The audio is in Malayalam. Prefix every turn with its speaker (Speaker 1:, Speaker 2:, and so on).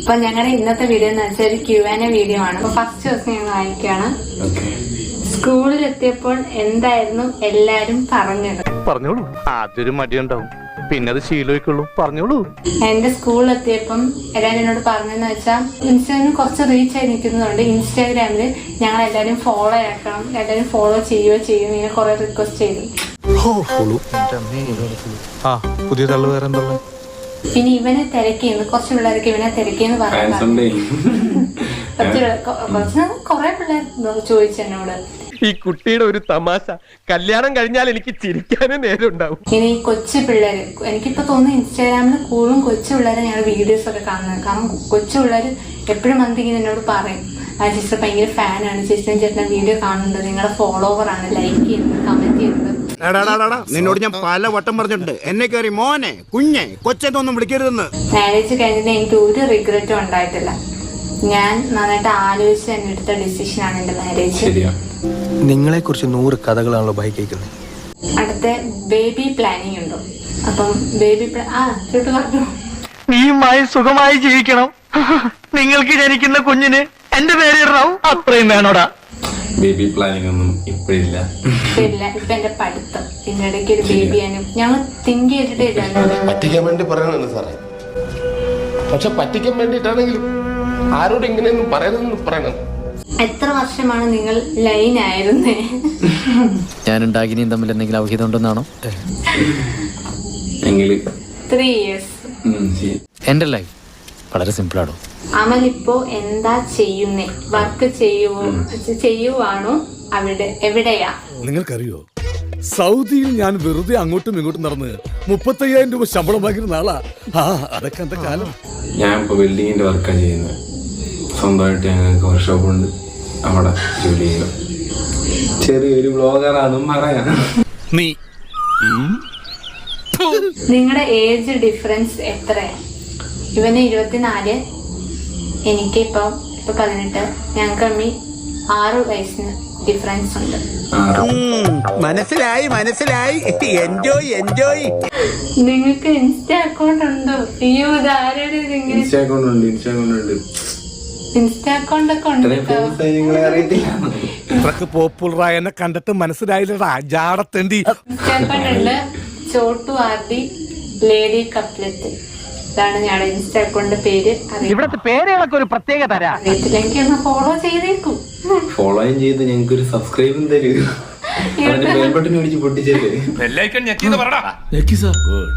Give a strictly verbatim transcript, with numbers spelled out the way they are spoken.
Speaker 1: അപ്പൊ ഞങ്ങളുടെ ഇന്നത്തെ വീഡിയോ എന്ന് വെച്ചാൽ ഒരു ക്യൂ ആൻഡ് എ വീഡിയോ ആണ്. അപ്പൊ ഫസ്റ്റ് ദിവസം ഞങ്ങൾ വായിക്കുകയാണ്. സ്കൂളിലെത്തിയപ്പോൾ എന്തായിരുന്നു എല്ലാരും പറഞ്ഞത്?
Speaker 2: പറഞ്ഞോളൂ. ആദ്യൊരു മടിയുണ്ടാവും, പിന്നെ അത് ശീലമായിക്കുള്ളൂ. പറഞ്ഞോളൂ.
Speaker 1: എന്റെ സ്കൂളിലെത്തിയപ്പം എല്ലാരും എന്നോട് പറഞ്ഞെന്ന് വെച്ചാൽ ഇൻസ്റ്റാഗ്രാമിൽ കുറച്ച് റീച്ച് ആയി നിൽക്കുന്നതുകൊണ്ട് ഇൻസ്റ്റാഗ്രാമില് ഞങ്ങൾ എല്ലാരും ഫോളോ ആക്കണം, എല്ലാരും ഫോളോ ചെയ്യുകയോ ചെയ്യും, ഇങ്ങനെ കുറെ റിക്വസ്റ്റ് ചെയ്തു.
Speaker 2: പുതിയ തള്ളു വേറെ എന്താ?
Speaker 1: പിന്നെ ഇവനെ തിരക്കിന്ന് കുറച്ച് പിള്ളേർക്ക് ഇവനെ തിരക്കിന്ന് പറഞ്ഞു. കുറച്ച് കുറെ പിള്ളേർ ചോദിച്ചു എന്നോട്.
Speaker 2: ഈ കുട്ടിയുടെ ഒരു തമാശ, കല്യാണം കഴിഞ്ഞാൽ എനിക്ക് ചിരിക്കാനേ നേരം ഉണ്ടാവും.
Speaker 1: ഇനി കൊച്ചു പിള്ളേര്, എനിക്കിപ്പോ തോന്നുന്നു ഇൻസ്റ്റാഗ്രാമിൽ കൂടുതലും കൊച്ചു പിള്ളേരെ ഞങ്ങൾ വീഡിയോസ് ഒക്കെ കാണുന്നത്. കാരണം കൊച്ചു പിള്ളേര് എപ്പോഴും വന്നിങ്ങനെ എന്നോട് പറയും, ആ ചേച്ചി ഭയങ്കര ഫാനാണ്, ചേച്ചി ചേട്ടൻ വീഡിയോ കാണുന്നുണ്ട്, നിങ്ങളുടെ ഫോളോവർ ആണ്, ലൈക്ക് ചെയ്യുന്നത്, കമന്റ് ചെയ്യുന്നത്.
Speaker 3: നിന്നോട് ഞാൻ പല വട്ടം പറഞ്ഞിട്ടുണ്ട്, എന്നെ കയറി മോനെ കുഞ്ഞെ കൊച്ചെന്നൊന്നും വിളിക്കരുതെന്ന്.
Speaker 1: മാരേജ് കഴിഞ്ഞിട്ട് എനിക്ക് ഒരു റിഗ്രറ്റും ഉണ്ടായിട്ടില്ല. ഞാൻ നന്നായിട്ട് ആലോചിച്ച് തന്നെ എടുത്ത ഡിസിഷൻ ആണ് എന്റെ മാരേജ്.
Speaker 4: നിങ്ങളെ കുറിച്ച് നൂറ് കഥകളാണല്ലോ ബൈ കേൾക്കുന്നത്.
Speaker 1: അടുത്ത ബേബി പ്ലാനിങ് ഉണ്ടോ? അപ്പം ബേബി ആ ചുട്ടു പറഞ്ഞു,
Speaker 2: നീയുമായി സുഖമായി ജീവിക്കണം, നിങ്ങൾക്ക് ജനിക്കുന്ന കുഞ്ഞിന് എന്റെ പേര് ഇടണം, അത്രയും വേണോടാ.
Speaker 5: ബേബി പ്ലാനിങ് ഒന്നും ഇപ്പഴില്ല.
Speaker 1: ഇല്ല, ഇപ്പൊ എന്റെ പഠിത്തം, ഇതിന്റെ ഇടയ്ക്ക് ഒരു ബേബിയാണ് ഞങ്ങൾ തിങ്ക് ചെയ്തിട്ടേ ഇല്ല.
Speaker 6: പറ്റിക്കാൻ വേണ്ടി പറയണല്ലോ സാറേ, പക്ഷെ പറ്റിക്കാൻ വേണ്ടിട്ടാണെങ്കിലും ആരോട് ഇങ്ങനെയൊന്നും പറയണമെന്ന് പറയണം.
Speaker 1: എത്ര വർഷമാണ് നിങ്ങൾ ലൈൻ ആയിരുന്നേ?
Speaker 4: ഞാനും ഡാഗിനിയും തമ്മിൽ എന്തെങ്കിലും ഔഹിതം ഉണ്ടെന്നാണോ?
Speaker 1: Three years.
Speaker 4: എന്റെ ലൈഫ് വളരെ സിമ്പിൾ ആണോ?
Speaker 1: അമൽ ഇപ്പോ എന്താ ചെയ്യുന്നേ? വർക്ക് ചെയ്യുവോ ചെയ്യുവാണോ? അവിടെ എവിടെയാ?
Speaker 7: നിങ്ങൾക്കറിയോ, സൗദിയിൽ ഞാൻ വെറുതെ അങ്ങോട്ടും ഇങ്ങോട്ടും നടന്ന് മുപ്പത്തയ്യായിരം രൂപ ശമ്പളം വാങ്ങിയിരുന്ന ആളാ. ആ അതൊക്കെ എന്റെ കാലം.
Speaker 5: ഞാൻ ഇപ്പൊ വെൽഡിങ്ങിന്റെ വർക്കാണ് ചെയ്യുന്നത്. സ്വന്തമായിട്ട് ഞങ്ങൾക്ക് വർക്ക്ഷോപ്പ് ഉണ്ട്, അവിടെ ജോലി ചെയ്യണം. ചെറിയൊരു ബ്ലോഗറാണെന്നും പറയാം.
Speaker 7: നീ
Speaker 1: നിങ്ങളുടെ ഏജ് ഡിഫറൻസ് എത്രയാ? ഇവന് ഇരുപത്തിനാല്, എനിക്ക് ഇപ്പൊ ഇപ്പൊ പതിനെട്ട്. ഞങ്ങൾക്ക് അമ്മി ആറ് വയസ്സിന് ഡിഫറൻസ് ഉണ്ട്.
Speaker 3: മനസ്സിലായി മനസ്സിലായി. Enjoy enjoy.
Speaker 1: നിങ്ങൾക്ക് ഇൻസ്റ്റാ അക്കൗണ്ട് ഉണ്ടോ? അയ്യോ, ഇതാരുടെ
Speaker 5: ഇൻസ്റ്റാ അക്കൗണ്ട് ഉണ്ട്, ഇൻസ്റ്റാ അക്കൗണ്ട് ഉണ്ട്,
Speaker 1: ഇൻസ്റ്റാ അക്കൗണ്ട് ഒക്കെ ഉണ്ട്.
Speaker 5: നിങ്ങളെ അറിയത്തില്ല.
Speaker 7: ഇത്രക്ക് പോപ്പുലറായ എന്നെ കണ്ടിട്ട് മനസ്സിലായില്ലടാ ജാടത്തേണ്ടി.
Speaker 1: ഇൻസ്റ്റാ അക്കൗണ്ട് ഉണ്ട്, ചോട്ടു ആർഡി ലേഡി കപ്ലെറ്റ്. ഇതാണ് ഞങ്ങളുടെ ഇൻസ്റ്റാ അക്കൗണ്ട് പേര്.
Speaker 2: ഇവിടത്തെ പേരുകളൊക്കെ ഒരു പ്രത്യേക തരാ.
Speaker 1: അറിയത്തില്ലെങ്കിൽ ഒന്ന് ഫോളോ ചെയ്തേക്കും.
Speaker 5: ഫോളോയും ചെയ്ത് ഞങ്ങൾക്ക് ഒരു സബ്സ്ക്രൈബും തരൂ. ബെൽ ബട്ടൺ പിടിച്ച് പൊട്ടിച്ചേര്.